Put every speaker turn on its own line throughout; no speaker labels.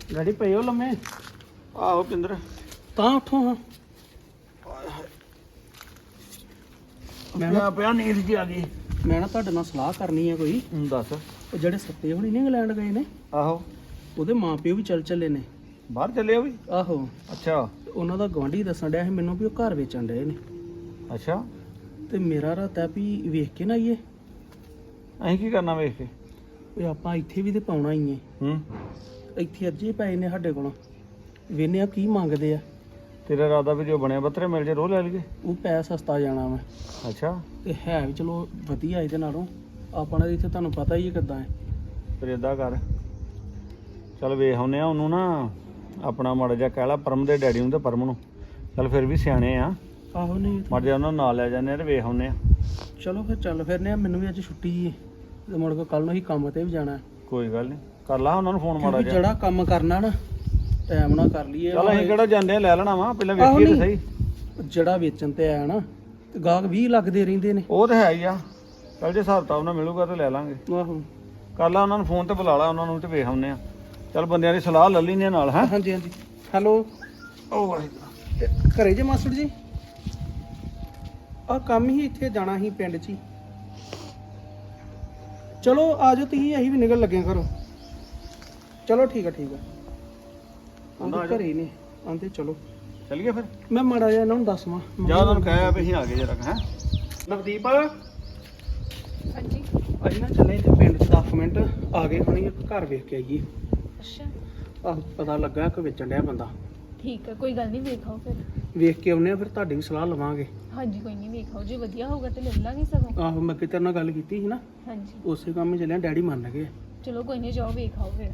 Daddy ਪਏ ਹੋ ਲੰਮੇ?
ਆਹੋ ਪਿੰਦਰ
ਤਾਂ ਉੱਠੋ ਹਾਂ।
ਮੈਂ ਪਿਆ ਨੀਂਦ ਜੀ ਆ ਗਈ।
ਮੈਂ ਨਾ ਤੁਹਾਡੇ ਨਾਲ ਸਲਾਹ ਕਰਨੀ ਹੈ ਕੋਈ।
ਦੱਸ।
ਉਹ ਜਿਹੜੇ ਸੱਤੇ ਹੋਣੀ ਨਹੀਂ ਇੰਗਲੈਂਡ ਗਏ ਨੇ,
ਆਹੋ
ਉਹਦੇ ਮਾਂ ਪਿਓ ਵੀ ਚੱਲੇ ਨੇ।
ਬਾਹਰ ਚੱਲੇ ਉਹ ਵੀ?
ਆਹੋ।
ਅੱਛਾ
ਤੇ ਉਹਨਾਂ ਦਾ ਗਵਾਂਢੀ ਦੱਸਣ ਡਿਆ ਸੀ ਮੈਨੂੰ ਵੀ ਉਹ ਘਰ ਵੇਚਣ ਡਏ ਨੇ।
ਅੱਛਾ
ਤੇ ਮੇਰਾ ਰਾਤਾ ਵੀ ਵੇਖ ਕੇ ਨਾ ਆਈਏ।
ਅਸੀਂ ਕੀ ਕਰਨਾ ਵੇਖ ਕੇ?
ਵੀ ਆਪਾਂ ਇੱਥੇ ਵੀ ਤੇ ਪਾਉਣਾ ਹੀ ਹੈ। ਇੱਥੇ ਅੱਜੇ ਪਏ ਨੇ ਸਾਡੇ ਕੋਲ, ਵੇਨੇ ਆ ਕੀ ਮੰਗਦੇ ਆ।
ਤੇਰਾ ਇਰਾਦਾ ਵੀ ਜੋ ਬਣਿਆ ਬੱਤਰੇ ਮਿਲ ਜੇ ਰੋਹ ਲੈ ਲਈਏ?
ਉਹ ਪੈ ਸਸਤਾ ਜਾਣਾ ਵਾ
ਅੱਛਾ
ਤੇ ਹੈ ਵੀ ਚਲੋ ਵਧੀਆ ਇਹਦੇ ਨਾਲੋਂ। ਆਪਣਾ ਇੱਥੇ ਤੁਹਾਨੂੰ ਪਤਾ ਹੀ ਹੈ ਕਿੱਦਾਂ ਹੈ।
ਫਿਰ ਏਦਾਂ ਕਰ, ਚੱਲ ਵੇਖ ਆਉਂਦੇ ਆ ਉਹਨੂੰ ਨਾ, ਆਪਣਾ ਮਾੜਾ ਜਿਹਾ ਕਹਿ ਲਾ ਪਰਮ ਦੇ ਡੈਡੀ ਨੂੰ ਤੇ ਪਰਮ ਨੂੰ। ਚੱਲ ਫਿਰ ਵੀ ਸਿਆਣੇ ਆ।
ਆਹੋ ਨਹੀਂ
ਮਾੜਾ ਜਿਹਾ ਉਹਨਾਂ ਨੂੰ ਨਾਲ ਲੈ ਜਾਂਦੇ ਆ ਤੇ ਵੇਖ ਆਉਂਦੇ ਆ।
ਚਲੋ ਫਿਰ ਚੱਲ ਫਿਰਨੇ ਆ। ਮੈਨੂੰ ਵੀ ਅੱਜ ਛੁੱਟੀ ਹੈ ਤੇ ਮੁੜ ਕੇ ਕੱਲ ਨੂੰ ਹੀ ਕੰਮ ਤੇ ਵੀ ਜਾਣਾ।
ਕੋਈ ਗੱਲ ਨਹੀਂ, ਕਰ ਲਾ ਉਹਨਾਂ ਨੂੰ ਫੋਨ ਮਾੜਾ
ਕਿਉਂਕਿ
ਜਿਹਾ।
ਜਿਹੜਾ ਕੰਮ ਕਰਨਾ ਨਾ ਟਾਈਮ ਨਾਲ ਕਰ ਲਈਏ।
ਚੱਲ ਅਸੀਂ ਕਿਹੜਾ ਜਾਂਦੇ ਆ ਲੈ ਲੈਣਾ ਵਾ, ਪਹਿਲਾਂ ਵੇਖੀਏ ਤੇ ਸਹੀ।
ਜਿਹੜਾ ਵੇਚਣ ਤੇ ਆਇਆ ਨਾ ਤੇ ਗਾਹਕ 20 ਲੱਗਦੇ ਰਹਿੰਦੇ ਨੇ।
ਉਹ ਤਾਂ ਹੈ ਹੀ ਆ। ਚੱਲ ਜੇ ਹਿਸਾਬ ਕਿਤਾਬ ਨਾਲ ਮਿਲੂਗਾ ਤੇ ਲੈ ਲਾਂਗੇ।
ਆਹੋ
ਕਰ ਲਾ ਉਹਨਾਂ ਨੂੰ ਫੋਨ ਤੇ ਬੁਲਾ ਲਾ ਉਹਨਾਂ ਨੂੰ ਤੇ ਵੇਖ ਆਉਂਦੇ ਆ। ਚੱਲ ਬੰਦਿਆਂ ਦੀ ਸਲਾਹ ਲੈ ਲੈਂਦੇ ਆ ਨਾਲ। ਹੈ
ਹਾਂਜੀ ਹਾਂਜੀ। ਹੈਲੋ।
ਉਹ
ਘਰੇ ਜੇ ਮਾਸਟਰ ਜੀ? ਆ ਕੰਮ ਹੀ ਇੱਥੇ ਜਾਣਾ ਸੀ ਪਿੰਡ 'ਚ ਹੀ। ਚਲੋ ਆ ਜਾਓ ਤੁਸੀਂ, ਅਸੀਂ ਵੀ ਨਿਕਲ ਲੱਗੇ ਘਰੋਂ। ਚਲੋ ਠੀਕ ਆ ਠੀਕ ਆ। ਆਂਦੇ ਘਰੇ ਹੀ ਨੇ, ਆਂਦੇ ਚਲੋ
ਚੱਲੀਏ ਫਿਰ।
ਮੈਂ ਮਾੜਾ ਜਿਹਾ ਇਹਨਾਂ ਨੂੰ ਦੱਸਵਾਂ।
ਜਾ ਉਹਨਾਂ ਨੂੰ ਕਹਿਆ ਵੀ ਅਸੀਂ ਆ ਗਏ ਜਰਾ। ਹੈ
ਨਵਦੀਪ
ਹਾਂਜੀ।
ਅਸੀਂ ਨਾ ਚੱਲੇ ਇੱਥੇ ਪਿੰਡ 'ਚ 10 ਮਿੰਟ ਆ ਗਏ ਹੁਣੀ, ਇੱਕ ਘਰ ਵੇਖ ਕੇ ਆਈਏ।
ਅੱਛਾ
ਆਹ ਪਤਾ ਲੱਗਾ ਕਿ ਵੇਚਣ ਡਿਆ ਬੰਦਾ।
ਠੀਕ ਹੈ, ਕੋਈ ਗੱਲ ਨਹੀਂ, ਵੇਖਾਓ ਫਿਰ।
ਵੇਖ ਕੇ ਆਉਨੇ ਆ, ਫਿਰ ਤੁਹਾਡੀ ਵੀ ਸਲਾਹ ਲਵਾਂਗੇ।
ਹਾਂਜੀ ਕੋਈ ਨਹੀਂ, ਵੇਖਾਓ ਜੇ ਵਧੀਆ ਹੋਊਗਾ ਤੇ ਲੈ ਲਾਂਗੇ ਸਗੋਂ।
ਆਹੋ ਮੈਂ ਕਿਤੇ ਨਾਲ ਗੱਲ ਕੀਤੀ ਸੀ ਨਾ,
ਹਾਂਜੀ
ਉਸੇ ਕੰਮ 'ਚ ਚੱਲਿਆ। ਡੈਡੀ ਮੰਨ ਗਏ।
ਚਲੋ ਕੋਈ ਨਹੀਂ, ਜਾਓ ਵੇਖਾਓ ਫਿਰ।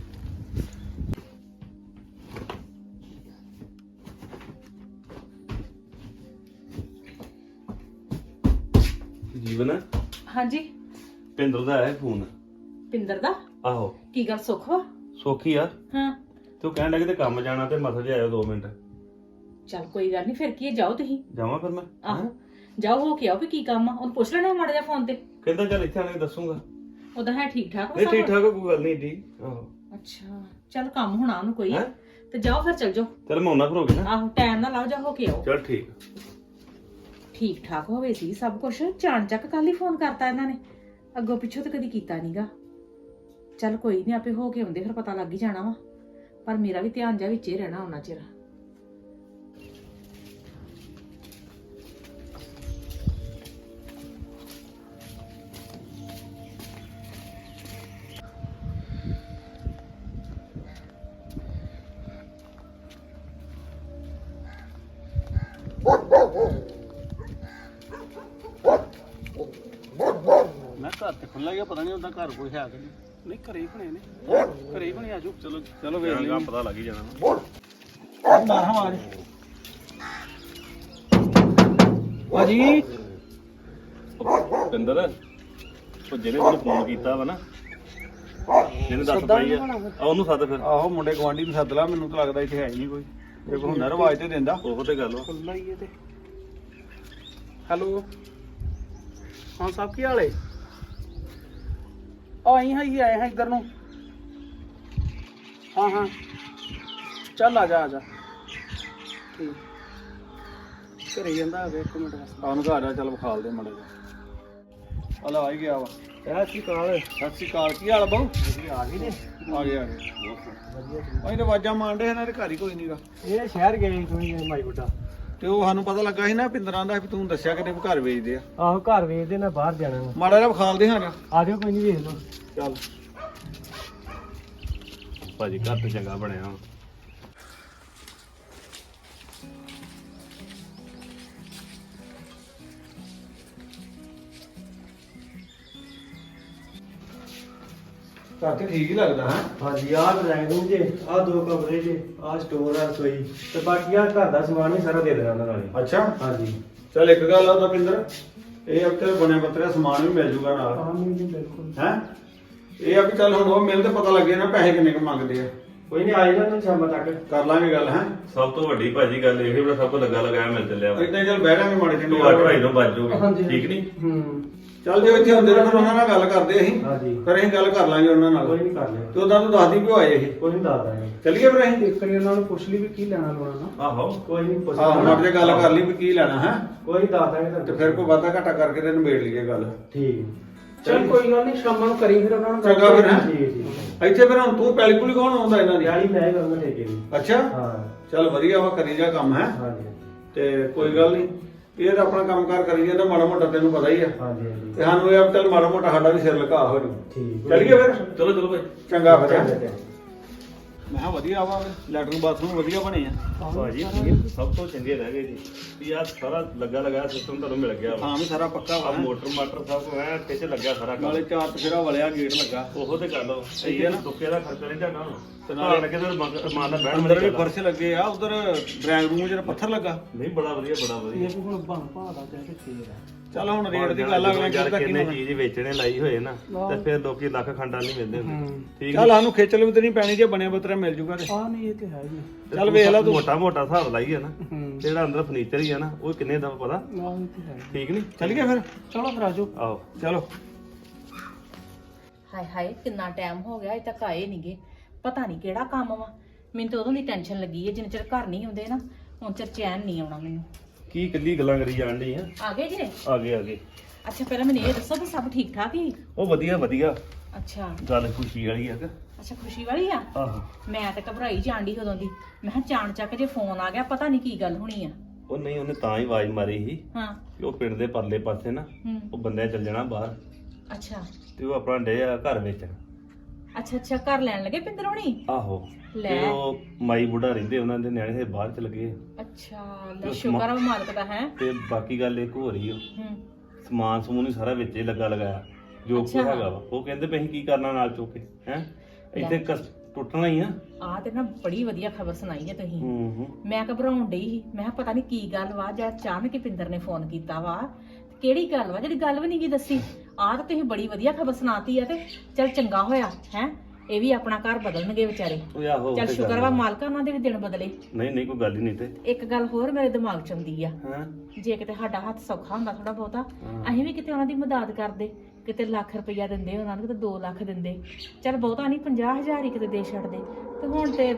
ਜੀਵਨ
ਹਾਂਜੀ।
ਪਿੰਦਰ ਦਾ ਆਇਆ ਫੋਨ।
ਪਿੰਦਰ ਦਾ?
ਆਹੋ
ਕੀ ਗੱਲ ਸੁੱਖ ਵਾ?
ਸੋਖੀ ਆ।
ਹਾਂ
ਤੂੰ ਕਹਿਣ ਲੱਗੇ ਤੇ ਕੰਮ ਜਾਣਾ ਤੇ ਮਸਲ ਜਿਹਾ ਆਇਓ 2 ਮਿੰਟ।
ਚਲ ਕੋਈ ਗੱਲ ਨਹੀਂ, ਫਿਰ ਕੀ ਹੈ, ਜਾਓ ਤੁਸੀਂ।
ਜਾਵਾਂ ਫਿਰ ਮੈਂ?
ਆਹੋ ਜਾਓ, ਹੋ ਕੇ ਆਓ ਵੀ ਕੀ ਕੰਮ ਆ। ਉਹਨੂੰ ਪੁੱਛ ਲੈਣਾ ਮਾੜਾ ਜਿਹਾ ਫੋਨ ਤੇ।
ਕਹਿੰਦਾ ਚੱਲ ਇੱਥੇ ਆਣ ਕੇ ਦੱਸੂਗਾ।
ਉਹਦਾ ਹੈ ਠੀਕ ਠਾਕ ਵਾ
ਨਹੀਂ
ਸਭ?
ਠੀਕ ਠਾਕ ਆ, ਕੋਈ ਗੱਲ ਨਹੀਂ ਜੀ। ਆਹੋ
ਅੱਛਾ ਚਲ ਕੰਮ ਹੋਣਾ ਉਹਨੂੰ ਕੋਈ।
ਹੈਂ?
ਤੇ ਜਾਓ ਫਿਰ, ਚਲ ਜਾਓ।
ਚੱਲ ਮੈਂ ਉਹਨਾਂ ਫਿਰ ਹੋ ਗਿਆ ਨਾ।
ਆਹੋ ਟਾਈਮ ਨਾਲ ਆਓ, ਜਾ ਹੋ ਕੇ ਆਓ।
ਚੱਲ ਠੀਕ।
ਠੀਕ ਠਾਕ ਹੋਵੇ ਸੀ ਸਭ ਕੁਝ। ਚਾਣ ਚੱਕ ਕੱਲ ਹੀ ਫੋਨ ਕਰਤਾ ਇਹਨਾਂ ਨੇ, ਅੱਗੋਂ ਪਿੱਛੋਂ ਤੇ ਕਦੀ ਕੀਤਾ ਨਹੀਂਗਾ। ਚੱਲ ਕੋਈ ਨਹੀਂ, ਆਪੇ ਹੋ ਕੇ ਆਉਂਦੇ, ਫਿਰ ਪਤਾ ਲੱਗ ਹੀ ਜਾਣਾ ਵਾ। ਪਰ ਮੇਰਾ ਵੀ ਧਿਆਨ ਜਾ ਵਿੱਚ ਹੀ ਰਹਿਣਾ ਉਹਨਾਂ ਚਿਰ।
ਮੈਂ ਘਰ ਤੇ ਖੁੱਲਾ ਗਿਆ, ਪਤਾ ਨਹੀਂ ਉਹਦਾ ਘਰ ਕੋਈ ਹੈ ਕਿ ਨਹੀਂ।
ਨਹੀਂ ਘਰੇ ਹੀ ਹੋਣੇ ਨੇ, ਘਰੇ ਹੀ ਹੋਣੇ। ਆਜੋ
ਚਲੋ ਚਲੋ ਵੇਖ
ਜਾਣਗਾ,
ਲਈਏ।
ਪਤਾ ਲੱਗ ਹੀ ਜਾਣਾ।
ਮਾਰ ਹਮਾਰੇ
ਭਾਜੀ।
ਪਿੰਦਰ ਉਹ ਜਿਹਨੇ ਮੈਨੂੰ ਫੋਨ ਕੀਤਾ ਵਾ ਨਾ, ਜਿਹਨੇ ਦੱਸ ਪਾਈ ਆ, ਉਹਨੂੰ ਸੱਦ ਫਿਰ।
ਆਹੋ ਮੁੰਡੇ ਗਵਾਂਢੀ ਨੂੰ ਸੱਦ ਲਾ। ਮੈਨੂੰ ਤਾਂ ਲੱਗਦਾ ਇੱਥੇ ਹੈ ਹੀ ਨਹੀਂ ਕੋਈ। ਜੇ ਕੋਈ ਹੁੰਦਾ ਰਵਾਜ ਤੇ ਦਿੰਦਾ।
ਉਹ ਤੇ ਗੱਲ ਵਾ।
ਖੁੱਲਾ ਹੀ ਹੈ ਤੇ। ਹੈਲੋ। ਹਾਂ ਸਾਹਿਬ, ਕੀ ਹਾਲ ਹੈ? ਆਈ ਆਏ ਹਾਂ ਇੱਧਰ ਨੂੰ। ਹਾਂ ਹਾਂ ਚੱਲ ਆ ਜਾ ਆ ਜਾ। ਠੀਕ ਘਰੇ ਜਾਂਦਾ ਹੋਵੇ, 1 ਮਿੰਟ ਵਾਸਤੇ।
ਆਉਣ ਘਰ ਆ, ਚੱਲ ਵਿਖਾਲ ਦੇ ਮਾੜਾ ਜਿਹਾ। ਹਲਾ ਆ ਹੀ ਗਿਆ ਵਾ।
ਸਤਿ ਸ਼੍ਰੀ ਅਕਾਲ।
ਸਤਿ ਸ਼੍ਰੀ ਅਕਾਲ। ਕੀ ਹਾਲ ਬਾਊ?
ਆ ਗਏ ਨੇ?
ਆ ਗਏ ਆ ਗਏ। ਅਸੀਂ ਤਾਂ ਆਵਾਜ਼ਾਂ ਮਾਰਦੇ ਇਹਨਾਂ ਦੇ ਘਰ ਹੀ ਕੋਈ ਨਹੀਂਗਾ।
ਇਹ ਸ਼ਹਿਰ ਗਏ ਤੁਸੀਂ ਮਾਈ ਬੁੱਢਾ?
ਤੇ ਉਹ ਸਾਨੂੰ ਪਤਾ ਲੱਗਾ ਸੀ ਨਾ, ਪਿੰਦਰਾਂ ਦਾ ਵੀ ਤੂੰ ਦੱਸਿਆ ਕਿਤੇ ਵੀ ਘਰ ਵੇਚਦੇ ਆ।
ਆਹੋ ਘਰ ਵੇਚਦੇ, ਮੈਂ ਬਾਹਰ ਜਾਣਾ ਵਾ।
ਮਾੜਾ ਜਿਹਾ ਵਿਖਾਲਦੇ ਹਾਂ।
ਆ ਜਾਓ, ਕੋਈ ਨਹੀਂ, ਵੇਖ ਲਓ।
ਚੱਲ
ਭਾਜੀ ਘਰ ਤੇ ਚੰਗਾ ਬਣਿਆ ਵਾ।
ਘਰ ਤੇ ਠੀਕ ਹੀ ਲੱਗਦਾ ਹੈ।
ਹਾਂਜੀ, ਆਹ ਡਰਾਇੰਗ ਰੂਮ ਜੇ, ਆਹ 2 ਕਮਰੇ ਜੇ, ਆਹ ਸਟੋਰ ਆ, ਰਸੋਈ ਤੇ ਬਾਕੀ ਆਹ ਘਰ ਦਾ ਸਮਾਨ ਵੀ ਸਾਰਾ ਦੇ ਦੇਣਾ ਉਹਨਾਂ ਨਾਲ ਹੀ।
ਅੱਛਾ
ਹਾਂਜੀ
ਚੱਲ ਇੱਕ ਗੱਲ ਆ ਤਾਂ ਪਿੰਦਰ, ਇਹ ਅਕਸਰ ਬਣੇ ਬੱਤਰੇ ਸਮਾਨ ਵੀ ਮਿਲ ਜੂਗਾ ਨਾਲ।
ਨਹੀਂ ਬਿਲਕੁਲ।
ਹੈ ਇਹ ਆ ਵੀ ਚੱਲ ਹੁਣ ਉਹ ਮਿਲ ਤੇ ਪਤਾ ਲੱਗੇ ਨਾ ਪੈਸੇ ਕਿੰਨੇ ਕੁ ਮੰਗਦੇ ਆ।
ਕੋਈ ਨਹੀਂ, ਆਏਗਾ ਤੁਸੀਂ ਸ਼ਾਮ ਤੱਕ।
ਕਰ ਲਾਂਗੇ ਗੱਲ। ਹੈ
ਸਭ ਤੋਂ ਵੱਡੀ ਭਾਜੀ ਗੱਲ ਇਹ ਵੀ ਸਭ ਤੋਂ ਲੱਗਾ ਲਗਾਇਆ ਮਿਲ ਚੱਲਿਆ ਵਾ।
ਇਦਾਂ ਚੱਲ ਬਹਿ ਜਾਾਂਗੇ ਮਾੜੇ
ਤੂੰ
ਚੰਗੇ।
8:30 ਤੋਂ ਵੱਜ ਜਾਓਗੇ,
ਹਾਂਜੀ।
ਠੀਕ ਨਹੀਂ?
ਚੱਲ ਜੇ ਇੱਥੇ ਹੁੰਦੇ ਤਾਂ ਫਿਰ ਉਹਨਾਂ ਨਾਲ ਗੱਲ ਕਰਦੇ ਅਸੀਂ
ਹਾਂਜੀ
ਫਿਰ ਅਸੀਂ ਗੱਲ ਕਰ ਲਾਂਗੇ ਉਹਨਾਂ ਨਾਲ
ਕੋਈ ਨਹੀਂ ਕਰ ਲਿਆ
ਤੇ ਉਦਾਂ ਤੂੰ ਦੱਸਦੀ ਵੀ ਹੋਏ ਇਹ
ਕੋਈ ਨਹੀਂ ਦੱਸਦਾ ਜੀ
ਚੱਲੀਏ ਫਿਰ ਅਸੀਂ
ਇੱਕ ਵਾਰੀ ਉਹਨਾਂ ਨੂੰ ਪੁੱਛ ਲਈ ਵੀ ਕੀ ਲੈਣਾ ਲੋਣਾ ਨਾ
ਆਹੋ
ਕੋਈ ਨਹੀਂ ਪੁੱਛ
ਆਹ ਮੜ ਜੇ ਗੱਲ ਕਰ ਲਈ ਵੀ ਕੀ ਲੈਣਾ ਹੈ
ਕੋਈ ਨਹੀਂ ਦੱਸਦਾ ਜੀ
ਤੇ ਫਿਰ ਕੋਈ ਵਾਧਾ ਘਾਟਾ ਕਰਕੇ ਤੇ ਨਿਬੇੜ ਲਈਏ ਗੱਲ
ਠੀਕ
ਚਲ ਕੋਈ ਗੱਲ ਨਹੀਂ ਸ਼ਾਮਾਂ ਨੂੰ ਕਰੀ ਫਿਰ ਉਹਨਾਂ ਨੂੰ
ਚੰਗਾ ਫਿਰ ਹੈਂ?
ਠੀਕ ਠੀਕ
ਇੱਥੇ ਫਿਰ ਹੁਣ ਤੂੰ ਪੈਲੀ ਪੁਲੀ ਕੌਣ ਆਉਂਦਾ ਇਹਨਾਂ ਦੀ
ਯਾਰੀ ਮੈਂ ਹੀ ਕਰੂੰਗਾ ਠੇਕੇ ਦੀ
ਅੱਛਾ
ਹਾਂ
ਚੱਲ ਵਧੀਆ ਵਾ ਕਰੀ ਜਾ ਕੰਮ ਹੈ
ਹਾਂਜੀ
ਤੇ ਕੋਈ ਗੱਲ ਨਹੀਂ ਇਹ ਤਾਂ ਆਪਣਾ ਕੰਮਕਾਰ ਕਰੀ ਜਾਂਦਾ ਮਾੜਾ ਮੋਟਾ ਤੈਨੂੰ ਪਤਾ ਹੀ ਆ
ਹਾਂਜੀ ਹਾਂਜੀ
ਤੇ ਸਾਨੂੰ ਇਹ ਆ ਵੀ ਚੱਲ ਮਾੜਾ ਮੋਟਾ ਸਾਡਾ ਵੀ ਸਿਰ ਲਗਾ ਹੋ ਜੂ
ਠੀਕ
ਚੱਲੀਏ ਫਿਰ
ਚਲੋ ਚਲੋ ਭਾਈ
ਚੰਗਾ ਫਿਰ
ਚੰਗਾ, ਚੰਗਾ।
ਮੈਂ ਕਿਹਾ ਵਧੀਆ ਵਾ ਲੈਟਰਨ ਬਾਥਰੂਮ ਵਧੀਆ ਬਣੇ ਆ
ਭਾਜੀ ਸਭ ਤੋਂ ਚੰਗੇ ਰਹਿ ਗਏ ਜੀ ਵੀ ਆ ਸਾਰਾ ਲੱਗਾ ਲਗਾਇਆ ਸਿਸਟਮ ਤੁਹਾਨੂੰ ਮਿਲ ਗਿਆ ਵਾ
ਥਾਂ ਵੀ ਸਾਰਾ ਪੱਕਾ ਵਾ
ਆ ਮੋਟਰ ਮਾਟਰ ਸਭ ਕੁਝ ਐ ਕਿੱਚ ਲੱਗਿਆ ਸਾਰਾ ਕੰਮ
ਨਾਲੇ ਚਾਰ ਤਫੇਰਾ ਵਲਿਆ ਗੇਟ ਲੱਗਾ
ਉਹੋ ਤੇ ਗੱਲ ਸਹੀ ਹੈ ਨਾ ਦੁੱਕੇ ਦਾ ਖਰਚਾ ਨਹੀਂ ਤੁਹਾਡਾ
ਤੇ
ਤੇ
ਨਾਲੇ
ਨਾਲ ਲੱਗੇ ਤੇ ਮਾਨ ਦਾ ਬਹਿਣ
ਅੰਦਰ ਵੀ
ਵਾਲੀ ਗੱਲ ਆ।
ਫਰਸ਼ ਲੱਗੇ ਆ ਉਧਰ ਡਰਾਇੰਗ ਰੂਮ ਜਿਹੜਾ ਪੱਥਰ ਲੱਗਾ
ਨਹੀਂ ਬੜਾ ਵਧੀਆ ਬੜਾ ਵਧੀਆ
ਇਹ ਵੀ ਹੁਣ ਬਣ ਭਾਦਾ ਤੇ ਫੇਰ ਆ
ਚੱਲ ਹੁਣ ਰੇਟ ਦੀ ਗੱਲ ਅਗਲੇ
ਯਾਰ
ਕਿਹਦਾ
ਕਿੰਨੇ
ਕੀ
ਚੀਜ਼ ਵੇਚਣੇ ਲਾਈ ਹੋਏ ਨਾ ਤੇ ਫਿਰ ਲੋਕੀ ਲੱਖ ਖੰਡਾਂ ਨਹੀਂ ਮਿਲਦੇ ਹੁੰਦੇ ਠੀਕ
ਚੱਲ ਸਾਨੂੰ ਖੇਚਲ ਵੀ ਤੇ ਨਹੀਂ ਪੈਣੀ ਜੇ ਬਣਿਆ ਬਤਰਾ ਮਿਲ ਜੂਗਾ ਤੇ
ਆ ਨਹੀਂ ਇਹ ਤੇ ਹੈ ਜੀ
ਚੱਲ ਵੇਖ ਲੈ ਤੂੰ
ਮੋਟਾ ਮੋਟਾ ਹਿਸਾਬ ਲਾਈ ਹੈ ਨਾ
ਹੂੰ
ਜਿਹੜਾ ਅੰਦਰ ਫਰਨੀਚਰ ਹੀ ਆ ਨਾ ਉਹ ਕਿੰਨੇ ਦਾ ਪਤਾ
ਆ ਇਹ ਤੇ ਹੈ
ਠੀਕ ਨਹੀਂ
ਚੱਲੀਏ ਫਿਰ
ਚਲੋ ਫਿਰ ਆਜੋ
ਆਓ
ਚਲੋ
ਹਾਏ ਹਾਏ ਕਿੰਨਾ ਟਾਈਮ ਹੋ ਗਿਆ ਅਜੇ ਤੱਕ ਆਏ ਨਹੀਂਗੇ ਪਤਾ ਨਹੀਂ ਕਿਹੜਾ ਕੰਮ ਵਾ ਮੈਨੂੰ ਤਾਂ ਉਦੋਂ ਦੀ ਟੈਨਸ਼ਨ ਲੱਗੀ ਹੈ ਜਿੰਨੇ ਚਿਰ ਘਰ ਨਹੀਂ ਆਉਂਦੇ ਨਾ ਹੁਣ ਚਿਰ ਚੈਨ ਨਹੀਂ ਆਉਣਾ ਮੈਨੂੰ
ਕੀ ਇਕੱਲੀ ਗੱਲਾਂ ਕਰੀ ਜਾਣ ਡਈ ਆ
ਆ ਗਏ ਜੀ
ਆ ਗਏ
ਅੱਛਾ ਪਹਿਲਾਂ ਮੈਨੂੰ ਇਹ ਦੱਸੋ ਵੀ ਸਭ ਠੀਕ ਠਾਕ ਹੀ
ਉਹ ਵਧੀਆ ਵਧੀਆ
ਅੱਛਾ
ਗੱਲ ਖੁਸ਼ੀ ਵਾਲੀ ਆ ਕਿ
ਅੱਛਾ ਖੁਸ਼ੀ ਵਾਲੀ ਆ
ਆਹੋ
ਮੈਂ ਤਾਂ ਘਬਰਾਈ ਜਾਣ ਡਈ ਉਦੋਂ ਦੀ ਮੈਂ ਕਿਹਾ ਚਾਣ ਚੱਕ ਜੇ ਫੋਨ ਆ ਗਿਆ ਪਤਾ ਨਹੀਂ ਕੀ ਗੱਲ ਹੋਣੀ ਆ
ਉਹ ਨਹੀਂ ਉਹਨੇ ਤਾਂ ਹੀ ਆਵਾਜ਼ ਮਾਰੀ ਸੀ
ਹਾਂ
ਕਿ ਉਹ ਪਿੰਡ ਦੇ ਪਰਲੇ ਪਾਸੇ ਨਾ
ਹੂੰ
ਉਹ ਬੰਦੇ ਚੱਲ ਜਾਣਾ ਬਾਹਰ
ਅੱਛਾ
ਤੇ ਉਹ ਆਪਣਾ ਡੇ ਆ ਘਰ ਵੇਚਣ
ਅੱਛਾ ਅੱਛਾ ਘਰ ਲੈਣ ਲੱਗੇ ਪਿੰਦਰ ਹੋਣੀ
ਆਹੋ
ਲੈ।
ਤੇ ਉਹ ਮਾਈ ਬੁੱਢਾ ਰਹਿੰਦੇ ਉਹਨਾਂ ਦੇ ਨਿਆਣੇ ਦੇ ਬਾਹਰ ਚਲ ਗਏ
ਅੱਛਾ ਲੈ ਸ਼ੁਕਰ ਆ ਉਹ ਮਾਲਕ ਦਾ ਹੈ
ਤੇ ਬਾਕੀ ਗੱਲ ਇੱਕ ਹੋ ਰਹੀ ਉਹ
ਹੂੰ
ਸਮਾਨ ਸਮੂਨ ਹੀ ਸਾਰਾ ਵਿੱਚ ਹੀ ਲੱਗਾ ਲਗਾਇਆ ਜੋ ਕੁਛ
ਅੱਛਾ।
ਹੈਗਾ ਵਾ ਉਹ ਕਹਿੰਦੇ ਵੀ ਅਸੀਂ ਕੀ ਕਰਨਾ ਨਾਲ ਚੁੱਕ ਕੇ ਹੈ ਇੱਥੇ ਟੁੱਟਣਾ ਹੀ ਆ
ਆ ਤੇ ਨਾ ਬੜੀ ਵਧੀਆ ਖਬਰ ਸੁਣਾਈ ਹੈ ਤੁਸੀਂ
ਹੂੰ
ਮੈਂ ਘਬਰਾਉਣ ਡਈ ਸੀ ਮੈਂ ਕਿਹਾ ਪਤਾ ਨਹੀਂ ਕੀ ਗੱਲ ਵਾ ਜਾਂ ਅਚਾਨਕ ਹੀ ਪਿੰਦਰ ਨੇ ਫੋਨ ਕੀਤਾ ਵਾ ਤੇ ਕਿਹੜੀ ਗੱਲ ਵਾ ਜਿਹੜੀ ਗੱਲ ਵੀ ਨਹੀਂ ਕੀ ਦੱਸੀ ਆਹ ਤਾਂ ਤੁਸੀਂ ਬੜੀ ਵਧੀਆ ਖਬਰ ਸੁਣਾਤੀ ਆ ਤੇ ਚਲ ਚੰਗਾ ਹੋਇਆ ਹੈ ਇਹ ਵੀ ਆਪਣਾ ਘਰ ਬਦਲਣਗੇ ਵਿਚਾਰੇ
ਉਹ ਆਹੋ ਉਹ
ਚਲ
ਤੇ
ਸ਼ੁਕਰ
ਗੱਲ
ਵਾ
ਆ।
ਮਾਲਕਾ ਉਹਨਾਂ ਦੇ ਵੀ ਦਿਨ ਬਦਲੇ
ਨਹੀਂ ਨਹੀਂ ਕੋਈ ਗੱਲ ਹੀ ਨਹੀਂ ਤੇ
ਇੱਕ ਗੱਲ ਹੋਰ ਮੇਰੇ ਦਿਮਾਗ 'ਚ ਆਉਂਦੀ ਆ
ਹਾਂ
ਜੇ ਕਿਤੇ ਸਾਡਾ ਹੱਥ ਸੌਖਾ ਹੁੰਦਾ ਥੋੜਾ ਬਹੁਤਾ
ਹਾਂ।
ਅਸੀਂ ਵੀ ਕਿਤੇ ਉਹਨਾਂ ਦੀ ਮਦਦ ਕਰਦੇ ਕਿਤੇ ਲੱਖ ਰੁਪਈਆ ਦਿੰਦੇ ਉਹਨਾਂ ਨੂੰ ਕਿਤੇ 2 ਲੱਖ ਦਿੰਦੇ ਚਲ ਬਹੁਤਾ ਨਹੀਂ 50,000 ਹੀ ਕਿਤੇ ਦੇ ਛੱਡਦੇ ਤੇ ਹੁਣ ਤੇ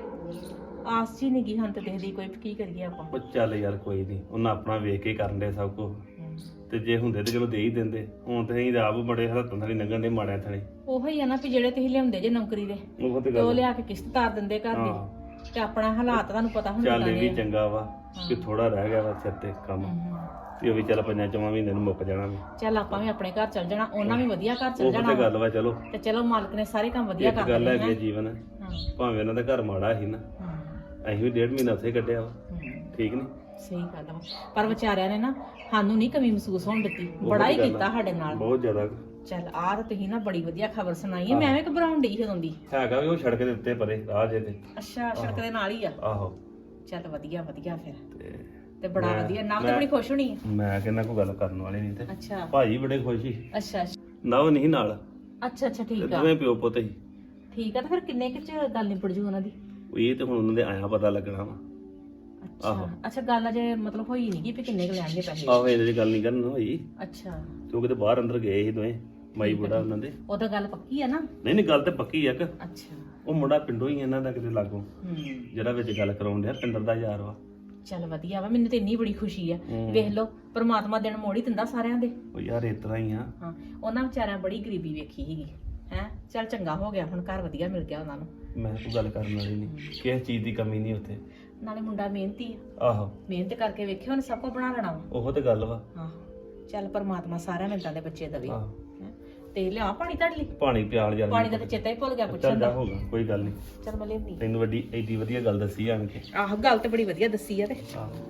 ਆਸ ਜੀ ਨਹੀਂ ਗਈ ਹੁਣ ਤੇ ਦੇਖਦੀ ਕੋਈ ਵੀ ਕੀ ਕਰੀਏ ਆਪਾਂ
ਉਹ ਚੱਲ ਯਾਰ ਕੋਈ ਨਹੀਂ ਉਹਨਾਂ ਆਪਣਾ ਵੇਖ ਕੇ ਕਰਨ ਦੇ ਸਭ ਕੁਝ ਤੇ ਜੇ ਹੁੰਦੇ ਤੇ ਚਲੋ ਦੇ ਹੀ ਦਿੰਦੇ ਹੁਣ ਤੇ ਅਸੀਂ ਆਪ ਬੜੇ ਹੱਥਾਂ ਥਾਲੀ ਲੰਘਣ ਦੇ ਮਾੜਿਆਂ ਥਾਲੀ
ਉਹੋ ਹੀ ਆ ਨਾ ਵੀ ਜਿਹੜੇ ਤੁਸੀਂ ਲਿਆਉਂਦੇ ਜੇ ਨੌਕਰੀ ਦੇ
ਉਹ ਤੇ
ਤੇ ਉਹ
ਗੱਲ
ਲਿਆ ਕੇ ਕਿਸ਼ਤ ਤਾਰ ਦਿੰਦੇ ਘਰ ਦੀ
ਹਾਂ
ਤੇ ਆਪਣਾ ਹਾਲਾਤ ਤੁਹਾਨੂੰ ਪਤਾ ਹੁੰਦਾ
ਚੱਲ ਇਹ ਵੀ ਚੰਗਾ ਵਾ ਕਿ ਥੋੜਾ ਰਹਿ ਗਿਆ ਵਾ ਸਿਰ ਤੇ ਕੰਮ ਤੇ ਉਹ ਵੀ ਚੱਲ 5-4 ਮਹੀਨੇ ਨੂੰ ਮੁੱਕ ਜਾਣਾ ਵਾ
ਚੱਲ ਆਪਾਂ ਵੀ ਆਪਣੇ ਘਰ ਚੱਲ ਜਾਣਾ ਉਹਨਾਂ ਵੀ ਵਧੀਆ ਘਰ ਚੱਲ
ਉਹ
ਜਾਣਾ
ਤੇ ਗੱਲ ਵਾ ਚਲੋ
ਤੇ ਚਲੋ ਮਾਲਕ ਨੇ ਸਾਰੇ ਕੰਮ ਵਧੀਆ
ਇੱਕ
ਕਰ
ਗੱਲ
ਦਿੱਤੇ
ਹੈਗੀ ਆ ਜੀਵਨ
ਹਾਂ
ਭਾਵੇਂ ਉਹਨਾਂ ਦਾ ਘਰ ਮਾੜਾ ਸੀ ਨਾ ਅਸੀਂ ਵੀ 1.5 ਮਹੀਨਾ ਉੱਥੇ ਕੱਢਿਆ ਵਾ ਠੀਕ ਨਹੀਂ
ਸਹੀ ਗੱਲ ਵਾ ਪਰ ਵਿਚਾਰਿਆਂ ਨੇ ਨਾ ਸਾਨੂੰ ਨਹੀਂ ਕਮੀ ਮਹਿਸੂਸ ਹੋਣ ਦਿੱਤੀ ਬੜਾ ਹੀ ਕੀਤਾ ਸਾਡੇ ਨਾਲ
ਬਹੁਤ ਜ਼ਿਆਦਾ
ਚੱਲ ਆਹ ਤਾਂ ਤੁਸੀਂ ਨਾ ਬੜੀ ਵਧੀਆ ਖਬਰ ਸੁਣਾਈ ਹੈ ਮੈਂ ਐਵੇਂ ਘਬਰਾਉਣ ਡਈ ਜਦੋਂ ਦੀ
ਹੈਗਾ ਵੀ ਉਹ ਸੜਕ ਦੇ ਉੱਤੇ ਪਰੇ ਰਾਹ ਜੇ ਤੇ
ਅੱਛਾ ਸੜਕ ਦੇ ਨਾਲ ਹੀ ਆ
ਆਹੋ
ਚੱਲ ਵਧੀਆ ਵਧੀਆ ਫਿਰ
ਤੇ
ਤੇ ਬੜਾ ਵਧੀਆ ਨਾ ਤਾਂ ਬੜੀ ਖੁਸ਼ ਹੋਣੀ ਹੈ
ਮੈਂ ਕਹਿੰਦਾ ਕੋਈ ਗੱਲ ਕਰਨ ਵਾਲੀ ਨਹੀਂ ਤੇ
ਅੱਛਾ
ਭਾਈ ਬੜੇ ਖੁਸ਼ ਸੀ
ਅੱਛਾ
ਨਾ ਉਹ ਨਹੀਂ ਨਾਲ
ਅੱਛਾ
ਤੇ
ਠੀਕ ਆ
ਦੋਵੇਂ ਪਿਓ ਪੁੱਤ ਸੀ
ਠੀਕ ਆ ਤਾਂ ਫਿਰ ਕਿੰਨੇ ਕੁ ਚ ਗੱਲ ਨਿਬੜ ਜੂ ਉਹਨਾਂ ਦੀ
ਉਹ ਇਹ ਤੇ ਹੁਣ ਉਹਨਾਂ ਦੇ ਆਇਆ ਪਤਾ ਲੱਗਣਾ ਵਾ
ਅੱਛਾ ਅੱਛਾ ਗੱਲ ਅਜੇ ਮਤਲਬ ਹੋਈ ਨਹੀਂ ਕਿ ਕਿੰਨੇ ਕੁ ਲੈਣਗੇ ਪੈਸੇ
ਆਹੋ ਇਹਦੇ 'ਚ ਗੱਲ ਨਹੀਂ ਕਰਨ ਹੋਈ
ਅੱਛਾ
ਤੇ ਉਹ ਕਿਤੇ ਬਾਹਰ ਅੰਦਰ ਗਏ ਸੀ ਦੋਵੇਂ ਮਾਈ ਬੁੱਢਾ ਉਹਨਾਂ ਦੇ
ਉਹਦਾ ਗੱਲ ਪੱਕੀ ਆ ਨਾ
ਨਹੀਂ ਨਹੀਂ ਗੱਲ ਤੇ ਪੱਕੀ ਆ ਕਿ
ਅੱਛਾ
ਉਹ ਮੁੰਡਾ ਪਿੰਡੋਂ ਹੀ ਇਹਨਾਂ ਦਾ ਕਿਤੇ ਲਾਗੋਂ ਜਿਹੜਾ ਵਿੱਚ ਗੱਲ ਕਰਾਉਣ ਡਿਆ ਪਿੰਡਰ ਦਾ ਯਾਰ ਵਾ
ਚੱਲ ਵਧੀਆ ਵਾ ਮੈਨੂੰ ਤੇ ਇੰਨੀ ਬੜੀ ਖੁਸ਼ੀ ਆ ਵੇਖ ਲਓ ਪ੍ਰਮਾਤਮਾ ਦਿਨ ਮੋੜ ਹੀ ਦਿੰਦਾ ਸਾਰਿਆਂ ਦੇ
ਉਹ ਯਾਰ ਇਸ ਤਰ੍ਹਾਂ ਹੀ ਆ
ਹਾਂ ਉਹਨਾਂ ਵਿਚਾਰਿਆਂ ਬੜੀ ਗਰੀਬੀ ਵੇਖੀ ਸੀਗੀ ਹੈ ਚੱਲ ਚੰਗਾ ਹੋ ਗਿਆ ਹੁਣ ਘਰ ਵਧੀਆ ਮਿਲ ਗਿਆ ਉਹਨਾਂ ਨੂੰ
ਮੈਂ ਕੋਈ ਗੱਲ ਕਰਨ ਵਾਲੀ ਨਹੀਂ ਕਿਸੇ ਚੀਜ਼ ਦੀ ਕਮੀ ਨਹੀਂ ਉੱਥੇ
ਨਾਲੇ ਮੁੰਡਾ ਮਿਹਨਤੀ ਆ
ਆਹੋ
ਮਿਹਨਤ ਕਰਕੇ ਵੇਖਿਓ ਉਹਨੇ ਸਭ ਕੁਝ ਬਣਾ ਲੈਣਾ ਵਾ
ਉਹ ਤੇ ਗੱਲ ਵਾ
ਹਾਂ ਚੱਲ ਪਰਮਾਤਮਾ ਸਾਰਿਆਂ ਮਿਲਤਾਂ ਦੇ ਬੱਚੇ ਦਵੇ
ਆਹੋ
ਹੈਂ। ਤੇ ਲਿਆ ਪਾਣੀ ਤੁਹਾਡੇ ਲਈ
ਪਾਣੀ ਪਿਆਲ ਯਾਰ
ਪਾਣੀ ਦਾ ਤੇ ਚੇਤਾ ਹੀ ਭੁੱਲ ਗਿਆ
ਚੱਲ
ਪੁੱਛਣ
ਜਾ
ਦਾ
ਹੋਗਾ ਕੋਈ ਗੱਲ ਨਹੀਂ
ਚੱਲ ਮੈਂ ਲਿਆਉਂਦੀ
ਤੈਨੂੰ ਵੱਡੀ ਐਡੀ ਵਧੀਆ ਗੱਲ ਦੱਸੀ ਆਣ ਕੇ
ਆਹ ਗੱਲ ਤੇ ਬੜੀ ਵਧੀਆ ਦੱਸੀ ਆ ਤੇ
ਆਹੋ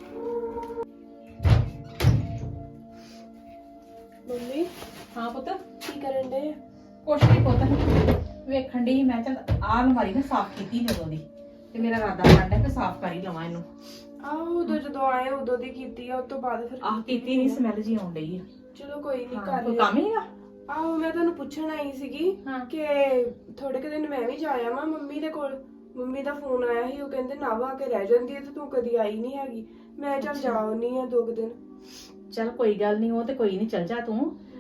ਮੰਮੀ
ਹਾਂ ਪੁੱਤ
ਕੀ ਕਰਨ ਦੇ
ਕੁਛ ਨਹੀਂ ਪੁੱਤ ਵੇਖਣ ਦੀ ਮੈਂ ਚੱਲ ਆਹ ਅਲਮਾਰੀ ਨਾ ਸਾਫ਼ ਕੀਤੀ ਜਦੋਂ ਦੀ ਤੇ ਮੇਰਾ ਇਰਾਦਾ ਬਣਦਾ ਕਿ ਸਾਫ਼ ਕਰ ਹੀ ਲਵਾਂ ਇਹਨੂੰ
ਆਹ ਉਦੋਂ ਜਦੋਂ ਆਏ ਉਦੋਂ ਦੀ ਕੀਤੀ ਆ ਉਸ ਤੋਂ ਬਾਅਦ ਫਿਰ
ਆਹ ਕੀਤੀ ਨਹੀਂ ਸਮੈਲ ਜੀ ਆਉਣ ਡਈ ਆ
ਚਲੋ ਕੋਈ ਨਹੀਂ
ਹਾਂ,
ਕਰ
ਕੋਈ
ਲਿਆ
ਕੰਮ ਹੀ ਆ
ਆਹੋ ਮੈਂ ਤੁਹਾਨੂੰ ਪੁੱਛਣ ਆਈ ਸੀਗੀ
ਹਾਂ।
ਕਿ ਥੋੜੇ ਕੁ ਦਿਨ ਮੈਂ ਵੀ ਜਾਇਆ ਵਾਂ ਮੰਮੀ ਦੇ ਕੋਲ ਮੰਮੀ ਦਾ ਫੋਨ ਆਇਆ ਸੀ ਉਹ ਕਹਿੰਦੇ ਨਾ ਆ ਕੇ ਰਹਿ ਜਾਂਦੀ ਹੈ ਤੇ ਤੂੰ ਕਦੀ ਆਈ ਨਹੀਂ ਹੈਗੀ ਮੈਂ ਚੱਲ ਜਾਉਣੀ ਆ 2 ਦਿਨ
ਚੱਲ ਕੋਈ ਗੱਲ ਨਹੀਂ ਉਹ ਤੇ ਕੋਈ ਨਹੀਂ ਚੱਲ ਜਾ ਤੂੰ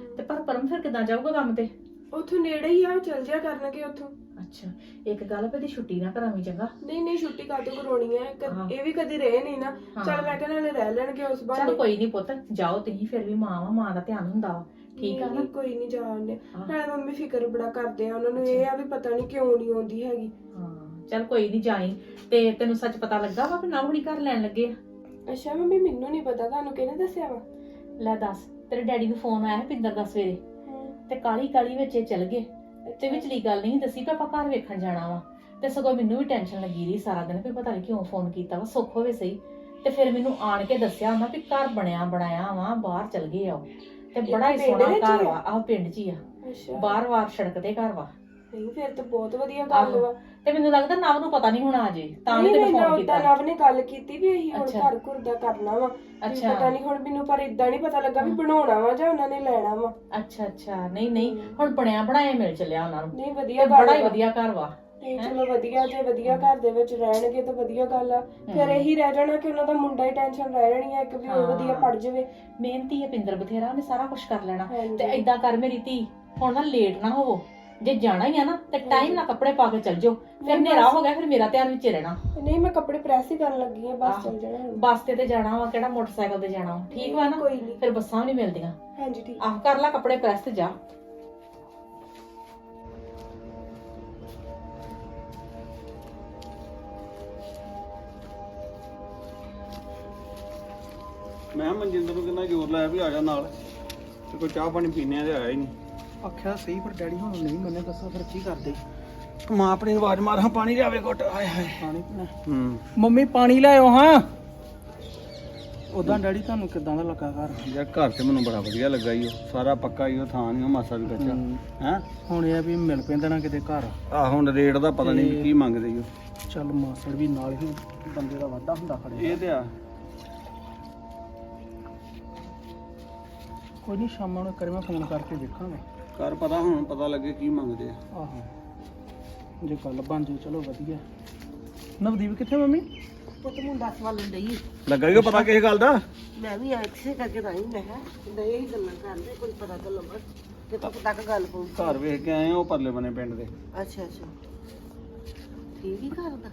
ਤੇ ਪਰ ਪਰਮ ਫਿਰ ਕਿੱਦਾਂ ਜਾਊਗਾ ਕੰਮ ਤੇ?
ਉੱਥੋਂ ਨੇੜੇ ਹੀ ਆ, ਚੱਲ ਜਿਆ ਕਰਨਗੇ ਉੱਥੋਂ।
ਅੱਛਾ, ਇੱਕ ਗੱਲ ਵੀ ਛੁੱਟੀ ਨਾ ਕਰਾਵੀਂ ਚੰਗਾ।
ਨਹੀਂ ਛੁੱਟੀ ਕਾਹਤੋਂ ਕਰਾਉਣੀ ਹੈ, ਇਹ ਵੀ ਕਦੀ ਰਹੇ ਨਹੀਂ ਨਾ। ਚੱਲ ਮੈਂ ਕਿਹਾ ਨਾਲੇ ਰਹਿ ਲੈਣਗੇ ਉਸ
ਚੱਲ
ਬਹਾਨੇ।
ਕੋਈ ਨਹੀਂ ਪੁੱਤ, ਜਾਓ ਤੁਸੀਂ, ਫਿਰ ਵੀ ਮਾਂ ਵਾ, ਮਾਂ ਦਾ ਧਿਆਨ ਹੁੰਦਾ ਵਾ, ਠੀਕ ਆ ਨਾ?
ਨਹੀਂ, ਕੋਈ ਨਹੀਂ ਜਾਣਦੇ। ਨਾਲੇ ਮੰਮੀ ਫਿਕਰ ਬੜਾ ਕਰਦੇ ਆ, ਉਹਨਾਂ ਨੂੰ ਇਹ ਆ ਵੀ ਪਤਾ ਨਹੀਂ ਕਿਉਂ ਨਹੀਂ ਆਉਂਦੀ ਹੈਗੀ।
ਹਾਂ ਚੱਲ ਕੋਈ ਨਹੀਂ ਜਾਈ। ਤੇ ਤੈਨੂੰ ਸੱਚ ਪਤਾ ਲੱਗਾ ਵਾ ਕਿ ਨਾ ਹੁਣੀ ਘਰ ਲੈਣ ਲੱਗੇ ਆ?
ਅੱਛਾ ਮੰਮੀ, ਮੈਨੂੰ ਨਹੀਂ ਪਤਾ, ਤੁਹਾਨੂੰ ਕਿਹਨੇ ਦੱਸਿਆ ਵਾ?
ਲੈ ਦੱਸ, ਤੇਰੇ ਡੈਡੀ ਨੂੰ ਫੋਨ ਆਇਆ ਪਿੰਦਰ ਦਾ ਸਵੇਰੇ, ਤੇ ਕਾਲੀ ਵਿੱਚ ਇਹ ਚਲ ਗਏ, ਤੇ ਵਿਚਲੀ ਗੱਲ ਨਹੀਂ ਦੱਸੀ ਕਿ ਆਪਾਂ ਘਰ ਵੇਖਣ ਜਾਣਾ ਵਾ। ਤੇ ਸਗੋਂ ਮੈਨੂੰ ਵੀ ਟੈਨਸ਼ਨ ਲੱਗੀ ਰਹੀ ਸਾਰਾ ਦਿਨ ਵੀ ਪਤਾ ਨਹੀਂ ਕਿਉਂ ਫੋਨ ਕੀਤਾ ਵਾ, ਸੁੱਖ ਹੋਵੇ ਸਹੀ। ਤੇ ਫਿਰ ਮੈਨੂੰ ਆਣ ਕੇ ਦੱਸਿਆ ਉਹਨਾਂ ਵੀ ਘਰ ਬਣਾਇਆ ਵਾ, ਬਾਹਰ ਚਲ ਗਏ ਆ ਉਹ, ਤੇ ਬੜਾ ਹੀ ਸੋਹਣਾ ਘਰ ਵਾ। ਆਹ ਪਿੰਡ 'ਚ ਹੀ ਆ, ਬਾਹਰ ਸੜਕ ਤੇ ਘਰ ਵਾ।
ਨਹੀਂ ਫਿਰ ਤਾਂ ਬਹੁਤ ਵਧੀਆ ਗੱਲ ਵਾ।
ਤੇ ਮੈਨੂੰ ਲੱਗਦਾ ਨਵ ਨੂੰ ਪਤਾ ਨਹੀਂ ਹੋਣਾ ਅਜੇ, ਤਾਂ ਵੀ ਤੈਨੂੰ ਫੋਨ ਕੀਤਾ।
ਨਵ ਨੇ ਗੱਲ ਕੀਤੀ ਵੀ ਅਸੀਂ ਹੁਣ ਘਰ ਘੁਰ ਦਾ ਕਰਨਾ ਵਾ।
ਅੱਛਾ,
ਪਤਾ ਨਹੀਂ ਹੁਣ ਮੈਨੂੰ, ਪਰ ਇਦਾਂ ਨਹੀਂ ਪਤਾ ਲੱਗਾ ਵੀ ਬਣਾਉਣਾ ਵਾ ਜਾਂ ਉਹਨਾਂ ਨੇ ਲੈਣਾ ਵਾ।
ਅੱਛਾ ਨਹੀਂ ਹੁਣ ਬਣਿਆ ਬਣਾਇਆ ਮਿਲ ਚੱਲਿਆ ਉਹਨਾਂ ਨੂੰ।
ਨਹੀਂ ਵਧੀਆ,
ਬੜਾ ਹੀ ਵਧੀਆ ਘਰ ਵਾ।
ਨਹੀਂ ਚਲੋ ਵਧੀਆ, ਜੇ ਵਧੀਆ ਘਰ ਦੇ ਵਿੱਚ ਰਹਿਣਗੇ ਤਾਂ ਵਧੀਆ ਗੱਲ ਆ। ਫਿਰ ਇਹੀ ਰਹਿ ਜਾਣਾ ਕਿ ਉਹਨਾਂ ਦਾ ਮੁੰਡਾ ਹੀ ਟੈਨਸ਼ਨ ਰਹਿ ਜਾਣੀ ਆ, ਇੱਕ ਵੀ ਉਹ ਵਧੀਆ ਪੜ ਜਾਵੇ।
ਮਿਹਨਤੀ ਹੈ ਪਿੰਦਰ ਬਥੇਰਾ, ਉਹਨੇ ਸਾਰਾ ਕੁਝ ਕਰ ਲੈਣਾ। ਤੇ ਏਦਾਂ ਕਰ ਮੇਰੀ ਧੀ, ਹੁਣ ਨਾ ਲੇਟ ਨਾ ਹੋਵੋ, ਜੇ ਜਾਣਾ ਹੀ ਆ ਨਾ ਤੇ ਟਾਈਮ ਨਾਲ ਕੱਪੜੇ ਪਾ ਕੇ ਚੱਲ ਜਾਓ, ਫਿਰ ਹਨੇਰਾ ਹੋ ਗਿਆ ਫਿਰ ਮੇਰਾ ਧਿਆਨ ਵਿੱਚ ਰਹਿਣਾ।
ਨਹੀਂ ਮੈਂ ਕੱਪੜੇ ਪ੍ਰੈਸ ਹੀ ਕਰਨ ਲੱਗੀ ਆ, ਬਸ ਚੱਲ ਜਾਣਾ।
ਬੱਸ ਤੇ ਜਾਣਾ ਵਾ, ਕਿਹੜਾ ਮੋਟਰਸਾਈਕਲ ਤੇ ਜਾਣਾ ਵਾ, ਠੀਕ ਵਾ ਨਾ?
ਕੋਈ ਨਹੀਂ,
ਫਿਰ ਬੱਸਾਂ ਵੀ ਨਹੀਂ ਮਿਲਦੀਆਂ।
ਹਾਂਜੀ ਠੀਕ।
ਆਹ ਕਰ ਲੈ ਕੱਪੜੇ ਪ੍ਰੈਸ ਤੇ ਜਾ।
ਮੈਂ ਮਨਜਿੰਦਰ ਨੂੰ ਕਿੰਨਾ ਜ਼ੋਰ ਲਾਇਆ ਵੀ ਆ ਜਾ ਨਾਲ, ਤੇ ਕੋਈ ਚਾਹ ਪਾਣੀ ਪੀਣੇ ਆ ਤੇ ਆਇਆ ਹੀ ਨਹੀਂ।
ਆਖਿਆ ਸਹੀ, ਪਰ ਡੈਡੀ ਹੁਣ ਨਹੀਂ ਮੰਨੇ, ਦੱਸੋ ਫਿਰ ਕੀ ਕਰਦੇ? ਮਾਂ ਆਪਣੀ ਆਵਾਜ਼ ਮਾਰ, ਹਾਂ ਪਾਣੀ ਲਿਆਵੇ ਘੁੱਟ। ਹਾਏ ਹਾਏ ਪਾਣੀ ਪੀਣਾ। ਮੰਮੀ ਪਾਣੀ ਲਿਆਓ ਹਾਂ। ਉਦਾਂ ਡੈਡੀ ਤੁਹਾਨੂੰ ਕਿੱਦਾਂ ਦਾ ਲੱਗਾ ਘਰ?
ਯਾਰ ਘਰ ਤੇ ਮੈਨੂੰ ਬੜਾ ਵਧੀਆ ਲੱਗਾ ਈ, ਉਹ ਸਾਰਾ ਪੱਕਾ ਹੀ, ਉਹ ਥਾਂ ਨਹੀਂ ਮਾਸਾ ਵੀ ਕੱਚਾ ਹੈ।
ਹੁਣ ਇਹ ਆ ਵੀ ਮਿਲ ਪੈਂਦਾ ਨਾ ਕਿਤੇ ਘਰ।
ਆ ਹੁਣ ਰੇਟ ਦਾ ਪਤਾ ਨਹੀਂ ਕੀ ਮੰਗਦੇ ਈ ਉਹ।
ਚੱਲ ਮਾਸੜ ਵੀ ਨਾਲ ਹੀ ਬੰਦੇ ਦਾ ਵਾਧਾ ਹੁੰਦਾ ਖੜੇ।
ਇਹ ਤੇ ਆ
ਕੋਈ ਨਹੀਂ, ਸ਼ਾਮਾਂ ਨੂੰ ਕਰੇ ਮੈਂ ਫੋਨ ਕਰਕੇ ਦੇਖਾਂਗਾ।
ਕਰ ਪਤਾ, ਹੁਣ ਪਤਾ ਲੱਗੇ ਕੀ ਮੰਗਦੇ ਆ।
ਆਹੋ, ਜੇ ਗੱਲ ਬਣ ਜੇ ਚਲੋ ਵਧੀਆ। ਨਵਦੀਪ ਕਿੱਥੇ ਮੰਮੀ?
ਪੁੱਤ ਮੁੰਡਾ ਸਵਾਲਣ ਡਈ
ਲੱਗਾ ਹੀ ਪਤਾ ਕਿਸੇ ਗੱਲ ਦਾ?
ਮੈਂ ਵੀ ਐਕਸੇ ਕਰਕੇ ਤਾਂ ਹੀ ਮੈਂ ਕਿਹਾ ਦੇ ਹੀ ਗੱਲਾਂ ਕਰਦੇ, ਕੋਈ ਪਤਾ ਤਾਂ ਲੱਗਾ ਕਿੱਥੋਂ ਤੱਕ ਗੱਲ ਪਹੁੰਚੀ।
ਘਰ ਵੇਖ ਕੇ ਆਏ ਆ ਉਹ ਪਰਲੇ ਬਨੇ ਪਿੰਡ ਦੇ।
ਅੱਛਾ ਠੀਕ ਹੀ ਕਰਦਾ।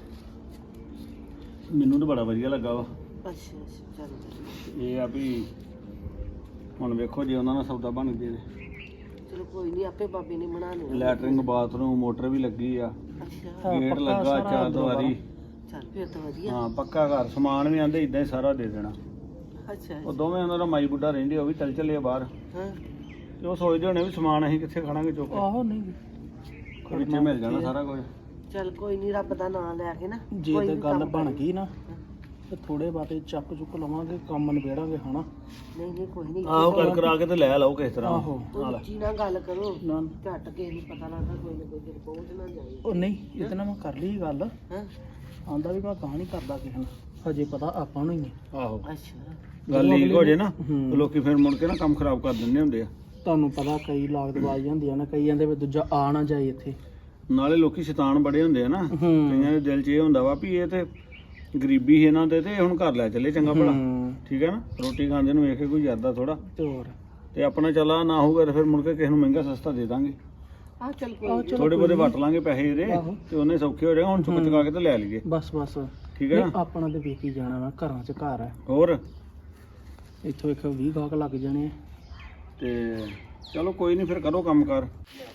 ਮੈਨੂੰ ਤਾਂ ਬੜਾ ਵਧੀਆ ਲੱਗਾ ਵਾ।
ਅੱਛਾ ਚੱਲ
ਇਹ ਆ ਵੀ ਹੁਣ ਵੇਖੋ ਜੇ ਉਹਨਾਂ ਨਾਲ ਸੌਦਾ ਬਣ ਗਏ
ਚਲੋ ਕੋਈ ਨਹੀਂ, ਆਪੇ ਬਾਬੇ ਨੇ ਬਣਾ ਲਿਆ।
ਲੈਟਰਿੰਗ ਬਾਥਰੂਮ ਮੋਟਰ ਵੀ ਲੱਗੀ ਆ,
ਅੱਛਾ
ਗੇਟ ਲੱਗਾ, ਚਾਰ ਦੀਵਾਰੀ।
ਚੱਲ ਫਿਰ ਤਾਂ ਵਧੀਆ।
ਹਾਂ ਪੱਕਾ ਘਰ, ਸਮਾਨ ਵੀ ਆਂਦੇ ਇਦਾਂ ਹੀ ਸਾਰਾ ਦੇ ਦੇਣਾ।
ਅੱਛਾ
ਉਹ ਦੋਵੇਂ ਉਹਨਾਂ ਦਾ ਮਾਈ ਬੁੱਢਾ ਰਹਿੰਦੇ, ਉਹ ਵੀ ਚੱਲ ਚੱਲੇ ਬਾਹਰ,
ਹਾਂ
ਤੇ ਉਹ ਸੋਚਦੇ ਹੋਣੇ ਵੀ ਸਮਾਨ ਅਸੀਂ ਕਿੱਥੇ ਖੜਾਂਗੇ ਚੁੱਕ ਕੇ।
ਆਹੋ ਨਹੀਂ,
ਵਿੱਚੇ ਮਿਲ ਜਾਣਾ ਸਾਰਾ ਕੁਝ।
ਚੱਲ ਕੋਈ ਨਹੀਂ, ਰੱਬ ਦਾ ਨਾਮ ਲੈ ਕੇ ਨਾ
ਜੇ ਤੇ ਗੱਲ ਬਣ ਗਈ ਨਾ ਤੇ ਥੋੜੇ ਬਾਤੇ ਚੱਕ ਚੁੱਕ ਲਵਾਂਗੇ, ਕੰਮ ਨਿਬੇੜਾਂਗੇ ਹਨਾ।
ਨਹੀਂ ਕੋਈ ਨਹੀਂ,
ਆਹੋ ਕਰ ਕਰਾ ਕੇ ਤੇ ਲੈ ਲਓ ਕਿਸ ਤਰ੍ਹਾਂ।
ਆਹੋ
ਉੱਚੀ ਨਾਲ ਗੱਲ ਕਰੋ,
ਨਾ
ਝੱਟ ਕੇ ਨਹੀਂ ਪਤਾ ਲੱਗਦਾ, ਕੋਈ ਨਾ ਕੋਈ ਦਿਨ ਪਹੁੰਚ ਨਾ ਜਾਏ।
ਉਹ ਨਹੀਂ, ਇਹਦੇ ਨਾਲ ਮੈਂ ਕਰ ਲਈ ਗੱਲ।
ਹਾਂ
ਆਂਦਾ ਵੀ ਮੈਂ ਗਾਹ ਨਹੀਂ ਕਰਦਾ ਕਿਸੇ ਨਾਲ, ਹਜੇ ਪਤਾ ਆਪਾਂ ਨੂੰ ਹੀ ਹੈ।
ਆਹੋ
ਅੱਛਾ
ਗੱਲ ਲੀਕ ਹੋ ਜੇ ਨਾ
ਹੂੰ।
ਤੇ ਲੋਕੀ ਫਿਰ ਮੁੜ ਕੇ ਨਾ ਕੰਮ ਖਰਾਬ ਕਰ ਦਿੰਦੇ ਹੁੰਦੇ ਆ।
ਤੁਹਾਨੂੰ ਪਤਾ ਕਈ ਲਾਗਤ ਬਾਜ਼ ਹੁੰਦੀਆਂ ਨੇ, ਕਈ ਕਹਿੰਦੇ ਵੀ ਦੂਜਾ ਆ ਨਾ ਜਾਏ ਇੱਥੇ।
ਨਾਲੇ ਲੋਕੀ ਸ਼ੈਤਾਨ ਬੜੇ ਹੁੰਦੇ ਆ ਨਾ, ਕਈਆਂ ਦੇ ਦਿਲ 'ਚ ਇਹ ਹੁੰਦਾ ਵਾ ਵੀ ਇਹ ਤੇ ਗਰੀਬੀ ਸੀ ਇਹਨਾਂ ਦੇ, ਤੇ ਹੁਣ ਘਰ ਲੈ ਚੱਲੇ ਚੰਗਾ ਭਲਾ, ਠੀਕ ਹੈ ਨਾ। ਰੋਟੀ ਖਾਂਦੇ ਨੂੰ ਵੇਖ ਕੇ ਕੋਈ ਯਾਦਾ ਥੋੜਾ,
ਤੇ ਹੋਰ
ਤੇ ਆਪਣਾ ਚਲਾ ਨਾ ਹੋਊਗਾ ਤੇ ਫਿਰ ਮੁੜ ਕੇ ਕਿਸੇ ਨੂੰ ਮਹਿੰਗਾ ਸਸਤਾ ਦੇ ਦਾਂਗੇ।
ਆ ਚੱਲ ਕੋਈ
ਥੋੜੇ ਬਹੁਤੇ ਵਟ ਲਾਂਗੇ ਪੈਸੇ ਇਹਦੇ, ਤੇ ਉਹਨੇ ਸੌਖੇ ਹੋ ਜਾਏਗਾ। ਹੁਣ ਚੁੱਕ ਚੁਕਾ ਕੇ ਤੇ ਲੈ ਲਈਏ,
ਬਸ
ਠੀਕ ਹੈ ਨਾ।
ਆਪਣਾ ਤੇ ਵੇਖੀ ਜਾਣਾ ਵਾ, ਘਰਾਂ 'ਚ ਘਰ ਹੈ।
ਹੋਰ
ਇੱਥੋਂ ਇੱਕ 20 ਗਾਹਕ ਲੱਗ ਜਾਣੇ ਆ।
ਤੇ ਚਲੋ ਕੋਈ ਨਹੀਂ, ਫਿਰ ਕਰੋ ਕੰਮ ਕਰ।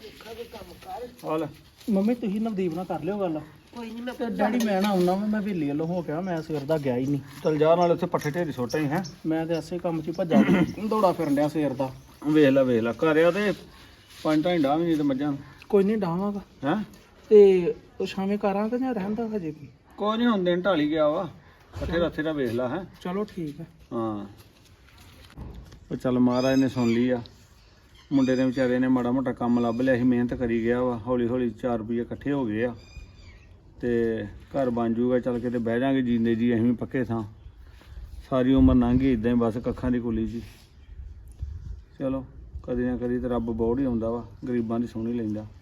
ਹਾਲ
ਮੰਮੀ ਤੁਸੀਂ ਨਵਦੀਪ ਨਾਲ ਕਰ ਲਿਓ ਗੱਲ।
ਕੋਈ ਨਹੀਂ, ਮੈਂ
ਤੇ ਡੈਡੀ ਮੈਂ ਨਾ ਆਉਣਾ ਵਾ, ਮੈਂ ਹਵੇਲੀ ਵੱਲੋਂ ਹੋ ਗਿਆ, ਮੈਂ ਸਵੇਰ ਦਾ ਗਿਆ ਹੀ ਨਹੀਂ।
ਚੱਲ ਜਾ, ਨਾਲ ਉੱਥੇ ਪੱਠੇ ਢੇਰੀ ਸੁੱਟਾਂ ਹੀ ਹੈ।
ਮੈਂ ਤੇ ਐਸੇ ਕੰਮ 'ਚ ਹੀ ਭੱਜਾ ਦੌੜਾ ਫਿਰਨ ਡਿਆ ਸਵੇਰ ਦਾ।
ਵੇਖ ਲੈ ਘਰ ਆ ਤੇ 5 ਢਾਈ ਡਾਂ ਵੀ ਨਹੀਂ ਤੇ ਮੱਝਾਂ।
ਕੋਈ ਨਹੀਂ ਡਾਵਾਂਗਾ,
ਹੈ
ਤੇ ਉਹ ਸ਼ਾਮੇ ਕਰਾਂਗੇ ਜਾਂ ਰਹਿੰਦਾ ਹਜੇ ਕੀ?
ਕੋਈ ਨਹੀਂ, ਹੁਣ ਦਿਨ ਢਾਲੀ ਗਿਆ ਵਾ, ਪੱਠੇ ਰੱਥੇ ਦਾ ਵੇਖ ਲਾ ਹੈ।
ਚਲੋ ਠੀਕ ਹੈ।
ਹਾਂ ਉਹ ਚੱਲ ਮਹਾਰਾਜ ਨੇ ਸੁਣ ਲਈ ਆ। ਮੁੰਡੇ ਨੇ ਵਿਚਾਰੇ ਨੇ ਮਾੜਾ ਮੋਟਾ ਕੰਮ ਲੱਭ ਲਿਆ ਸੀ, ਮਿਹਨਤ ਕਰੀ ਗਿਆ ਵਾ, ਹੌਲੀ ਹੌਲੀ 4 ਰੁਪਏ ਇਕੱਠੇ ਹੋ ਗਏ ਆ, ਤੇ ਘਰ ਬਣ ਜੂਗਾ। ਚੱਲ ਕੇ ਤੇ ਬਹਿ ਜਾਾਂਗੇ ਜੀਂਦੇ ਜੀ ਅਸੀਂ ਵੀ ਪੱਕੇ ਥਾਂ। ਸਾਰੀ ਉਮਰ ਲੰਘ ਗਈ ਇਦਾਂ ਹੀ ਬਸ ਕੱਖਾਂ ਦੀ ਕੁਲੀ ਜੀ। ਚਲੋ ਕਦੀ ਨਾ ਕਦੀ ਤੇ ਰੱਬ ਬੋੜ ਹੀ ਆਉਂਦਾ ਵਾ, ਗਰੀਬਾਂ ਦੀ ਸੁਣ ਹੀ ਲੈਂਦਾ।